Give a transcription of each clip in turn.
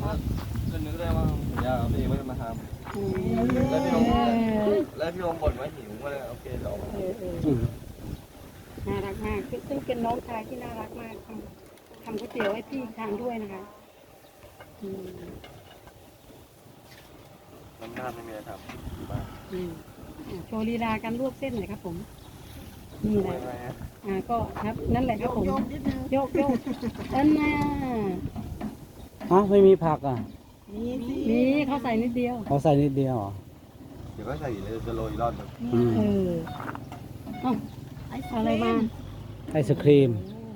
ก็นึกได้ว่าอยากเอาตัวเองไม่ได้มาทำแล้วพี่ลงบ่นว่าหิวก็เลยโอเคเดี๋ยวเอามาน่ารักมากซึ่งเป็นน้องชายที่น่ารักมากทำก๋วยเตี๋ยวให้พี่ทานด้วยนะคะน้ำหน้าไม่มีอะไรทำบ้างโชว์ลีลาการลวกเส้นหน่อยครับผมนี่แหละก็ครับนั่นแหละครับผมโยกนั่นน่ะไม่มีผักอ่ะมีเขาใส่นิดเดียวเขาใส่นิดเดียวเหรอเดี๋ยวก็ใส่เลยจะโรยรอดมันอะไรมาไอศครีม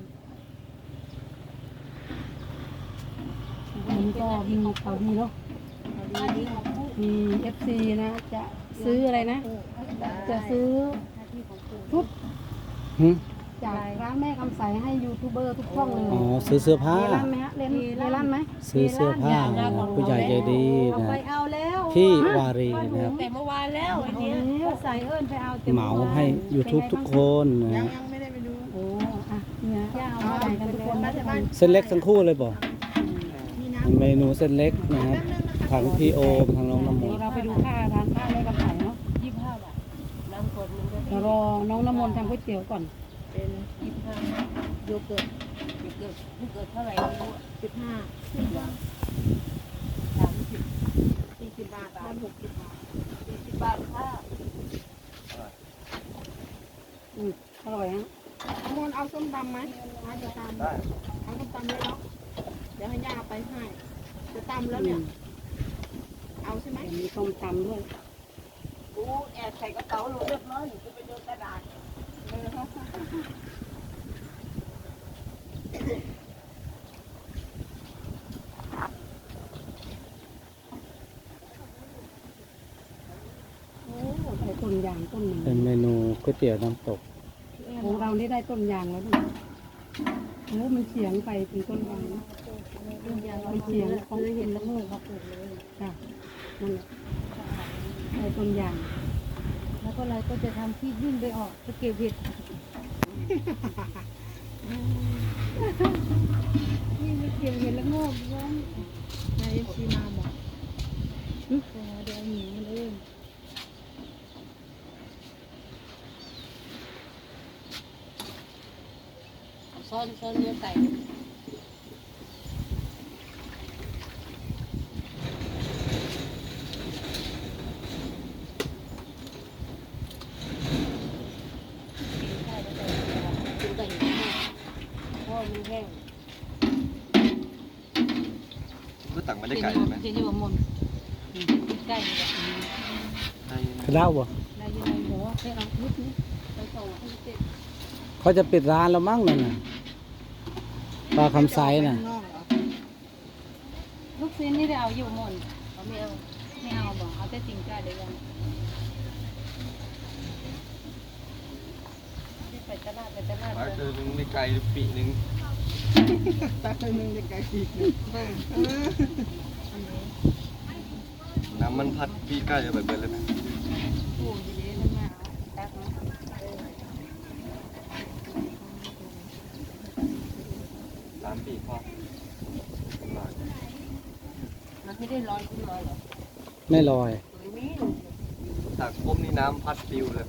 มันก็มีเขาดีเนาะมี FC นะจะซื้ออะไรนะจะซื้อชุดจากร้านแม่คำใสให้ยูทูบเบอร์ทุกช่องเลยซื้อเสื้อผ้ามีร้านไหมฮะเมีร้านไหมซื้อเสื้อผ้าผู้ใหญ่ใจดีนะพี่วารีนะครับแต่เมื่อวานแล้วอันนี้ใส่ไปเอาเหมาให้ YouTube ทุกคนนะยังไม่ได้ไปดูโอ้เนี่ยย่าเอามาใส่กันทุกคนเส้นเล็กทั้งคู่เลยบอกเมนูเส้นเล็กนะครับทางพี่โอทางน้องน้ำมนต์เราไปดูค่าร้านค่าแม่กำไสเนาะ25 บาทน้ำกดเรารอน้องน้ำมนต์ทำก๋วยเตี๋ยวก่อนเป็น25โยเกิร์ตเท่าไหร่ไม่รู้15 บาท30 40 บาทบ้าน60 บาท40 บาทค่ะอร่อยฮะมนเอาส้มตำไหมจะตำเอาส้มตำเลยเนาะเดี๋ยวให้ย่าไปให้จะตำแล้วเนี่ยเอาใช่ไหมมีส้มตำด้วยกูแอบใส่กระเป๋าหนูเรียบร้อยหนูจะไปโดนกระดาษใส่ต้นยางต้นหนึ่งเป็นเมนูก๋วยเตี๋ยวน้ำตกของเรานี่ได้ต้นยางแล้วนะมันเฉียงไปถึงต้นยางมันเฉียงเขาเห็นแล้วงูเขาปลูกเลยค่ะนั่นแหละได้ต้นยางแล้วก็เราก็จะทำที่ยื่นไปออกไปเก็บเห็ดนี่ไปเก็บเห็ดแล้วงูร้อนนายซีมาบอกเดี๋ยวหนีมันเองซ้อนเนื้อไก่ก็ตักไม่ได้ไก่เลยไหมจะอยู่กับมนใกล้เลยกระเด้าบ่ได้ยังไงหัวไปเอานิดนี้ไปส่งให้เจ็บเขาจะปิดร้านแล้วมั้งนั่นน่ะปลาคำไซน่ะลูกชิ้นนี่ได้เอาอยู่มนเขาไม่เอาบอกเอาแต่จริงใจเดี๋ยวกันไปตลาดปลาตัวนึงได้ไก่ปีนึงปลาตัวนึงได้ไก่ปีนึงน้ำมันพัดปีใกล้จะแบบเลยไหม3 ปีพอมันไม่ได้ลอยขึ้นมาหรอไม่ลอยตักปุ๊บนี่น้ำพัดปิวเลย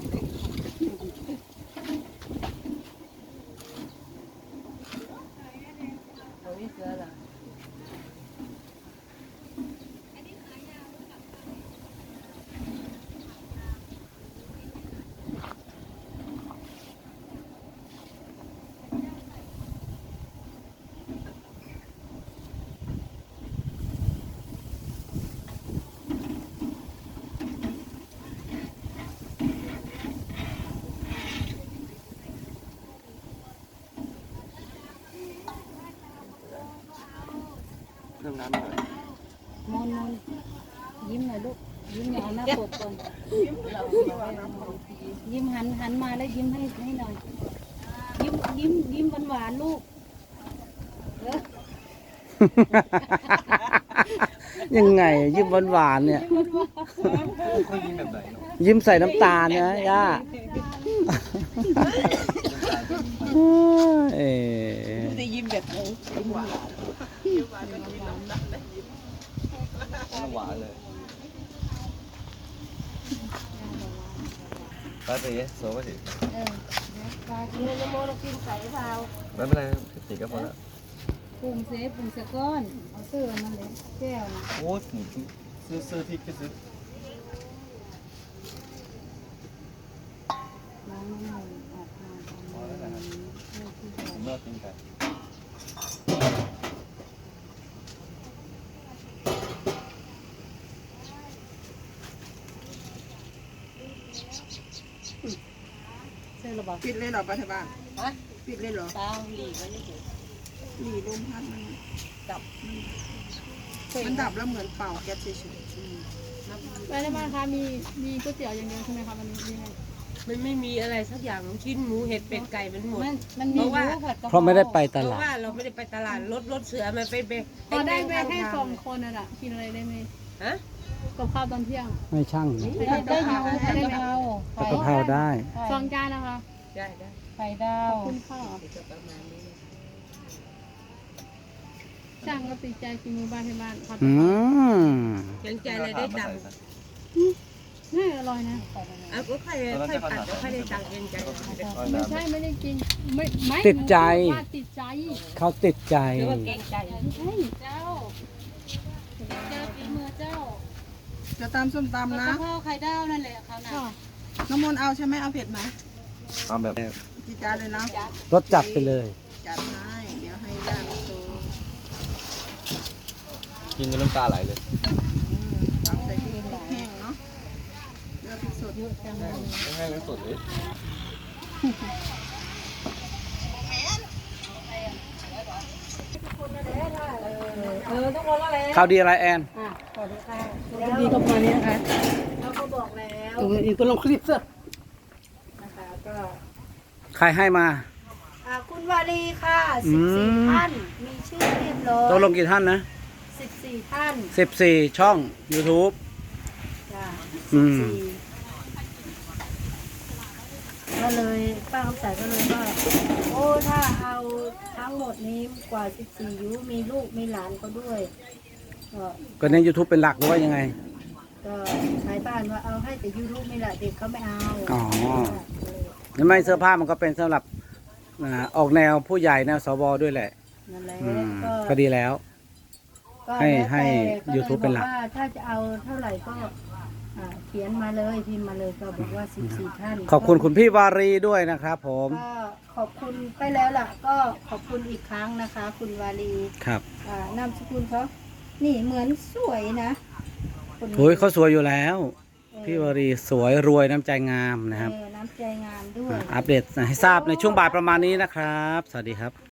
เรื่องน้ำหน่อยมนยิ้มหน่อยลูกยิ้มหน่อยเอาหน้าปกก่อนยิ้มหันมาแล้วยิ้มให้หน่อยยิ้มหวานลูกยังไงยิ้มหวานๆเนี่ยเขายิ้มแบบไหนยิ้มใส่น้ำตาลนะย่าจะยิ้มแบบไหนยิ้มหวานน้ำหวานเลยไปสิโซ่ไปสิปลาเนื้อโมเรากินใส่เปล่าไม่เป็นไรติดก็พอแล้วปรุงเซฟปรุงสะก้อนเอาเสื้อมันเลยแก้วนะโอ้ยหมูซื้อพริกก็ซื้อล้างน้ำมันออกมาพอแล้วนะครับผมเลิกกินไก่เสื้อระบาดปิดเลยเหรอปัทบ้านปิดเลยเหรอตาหลีไว้นี่เฉยหลีลมพัดมันดับมันดับแล้วเหมือนเป่าแก๊สเฉยไปในบ้านคะมีก๋วยเตี๋ยวอย่างเดียวใช่ไหมคะมันมีไงมันไม่มีอะไรสักอย่างชิ้นหมูเห็ดเป็ดไก่มันหมดมันมีผัดกะเพราะไม่ได้ไปตเพราะลาดว่าเราไม่ได้ไปตลาดรถเสือมันไปพอได้ไปแค่2 คนน่ะกินอะไรได้ไหมฮะกับข้าวตอนเที่ยงไม่ช่างนะได้กะเพราได้ไหมผัดกะเพราได้ 2 จานนะคะได้ไข่ดาวขอบคุณค่ะจะประมาณนี้ช่างก็ติดใจกินมือบ้านที่บ้านผัดอืมยังใจอะไรได้ตังค์น่าอร่อยนะอ่ะก็ค่อยปัดก็ค่อยได้ตังค์ยังใจไม่ใช่ไม่ได้กินไม่ติดใจว่าติดใจเขาติดใจหรือว่าเกรงใจใช่เจ้ากินมือเจ้าๆจะตำส้มตำนะกะเพราไข่ดาวนั่นแหละเขาน่ะน้ำมนต์เอาใช่ไหมเอาเผ็ดไหมเอาแบบกี่จานเลยนะรสจัดไปเลยจัดให้เดี๋ยวให้ย่ามาโตกินจนน้ำตาไหลเลยตำใส่พริกแห้งเนาะเลือกพริกสดไม่ให้มันสดเลยทุกคนว่าแล้วข่าวดีอะไรแอนสวัสดีค่ะดีก็มานี้นะคะเราก็บอกแล้วอีกก็ลงคลิปเสร็จนะคะก็ใครให้มาคุณวารีค่ะอืม 14 ท่าน มีชื่อเรียบร้อยตกลงกี่ท่านนะ 14 ท่าน 14 ช่อง YouTube จ้ะอืมก็เลยป้าคำใสก็เลยว่าโอ้ถ้าเอาทั้งหมดนี้กว่า 14 ยุมีลูกมีหลานเขาด้วย ก็ก็ใน YouTube เป็นหลักหรือว่ายังไงก็ชายบ้านว่าเอาให้แต่ยูทูบไม่ละเด็กเขาไม่เอาอ๋อ แล้วไม่เสื้อผ้ามันก็เป็นสำหรับออกแนวผู้ใหญ่แนวสวด้วยแหละนั่นแหละอืมก็ก็ดีแล้วก็ให้แล้วแต่ให้ก็เลย YouTube เป็นหลักบอกว่าถ้าจะเอาเท่าไหร่ก็เขียนมาเลยพิมพ์มาเลยก็บอกว่า14 ท่านขอบคุณคุณพี่วารีด้วยนะครับผมก็ขอบคุณไปแล้วล่ะ ก็ขอบคุณอีกครั้งนะคะ คุณวารีครับนามสกุลเขานี่เหมือนสวยนะคนนี้โอ้ยเขาสวยอยู่แล้วเออพี่วารีสวยรวยน้ำใจงามนะครับน้ำใจงามด้วยอัปเดตให้ทราบในช่วงบ่ายประมาณนี้นะครับ สวัสดีครับ